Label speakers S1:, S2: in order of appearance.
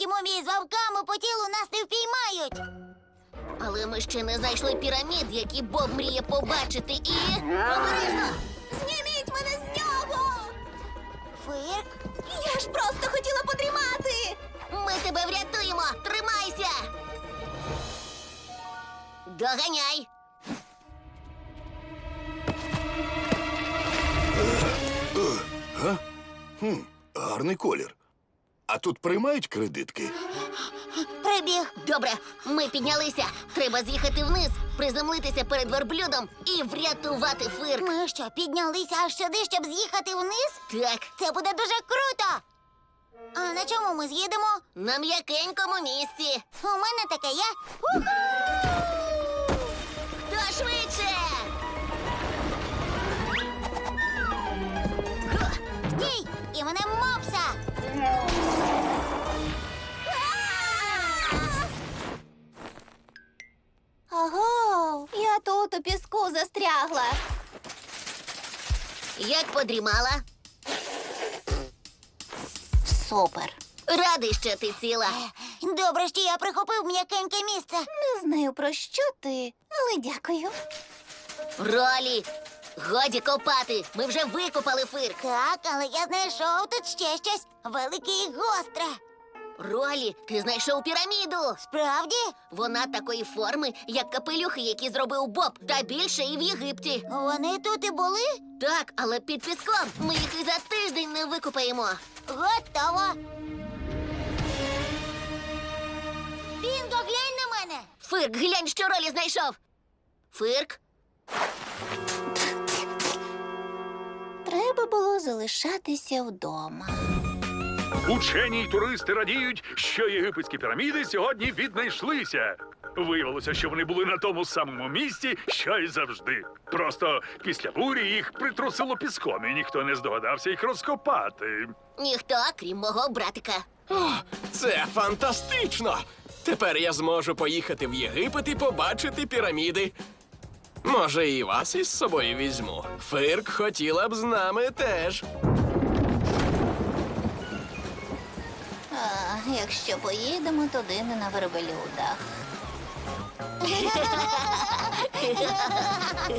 S1: мумії з вовками по тілу нас не впіймають.
S2: Але ми ще не знайшли пірамід, які Боб мріє побачити, і... Обережно!
S3: Зніміть мене з нього!
S1: Фирк?
S3: Я ж просто хотіла подрімати!
S2: Ми тебе врятуємо! Тримайся! Доганяй!
S4: Гарний колір. А тут приймають кредитки?
S1: Прибіг.
S2: Добре, ми піднялися. Треба з'їхати вниз, приземлитися перед верблюдом і врятувати Фирк.
S1: Ми що, піднялися аж сюди, щоб з'їхати вниз?
S2: Так,
S1: Це буде дуже круто. А на чому ми з'їдемо?
S2: на м'якенькому місці.
S1: У мене таке є. Уху!
S2: Хто швидше?
S1: Стій! І мене мопса!
S3: Ого, я тут у піску застрягла.
S2: Як подрімала?
S3: Супер.
S2: Радий, що ти ціла.
S1: Добре, що я прихопив м'якеньке місце.
S3: Не знаю, про що ти, але дякую.
S2: Ролі, годі копати. Ми вже викопали Фирк.
S1: Так, але я знайшов тут ще щось велике і гостре.
S2: Ролі, ти знайшов піраміду.
S1: Справді?
S2: Вона такої форми, як капелюхи, які зробив Боб, та більше і в Єгипті.
S1: Вони тут і були?
S2: Так, але під піском. Ми їх і за тиждень не викопаємо.
S1: Готово. Бінго, глянь на мене.
S2: Фирк, глянь, що Ролі знайшов. Фирк?
S3: Треба було залишатися вдома.
S5: Учені й туристи радіють, що єгипетські піраміди сьогодні віднайшлися. Виявилося, що вони були на тому самому місці, що й завжди. Просто після бурі їх притрусило піском, і ніхто не здогадався їх розкопати.
S2: Ніхто, крім мого братика.
S6: О, це фантастично! Тепер я зможу поїхати в Єгипет і побачити піраміди. Може, і вас із собою візьму. Фирк хотіла б з нами теж.
S3: А, якщо поїдемо туди не на верблюдах.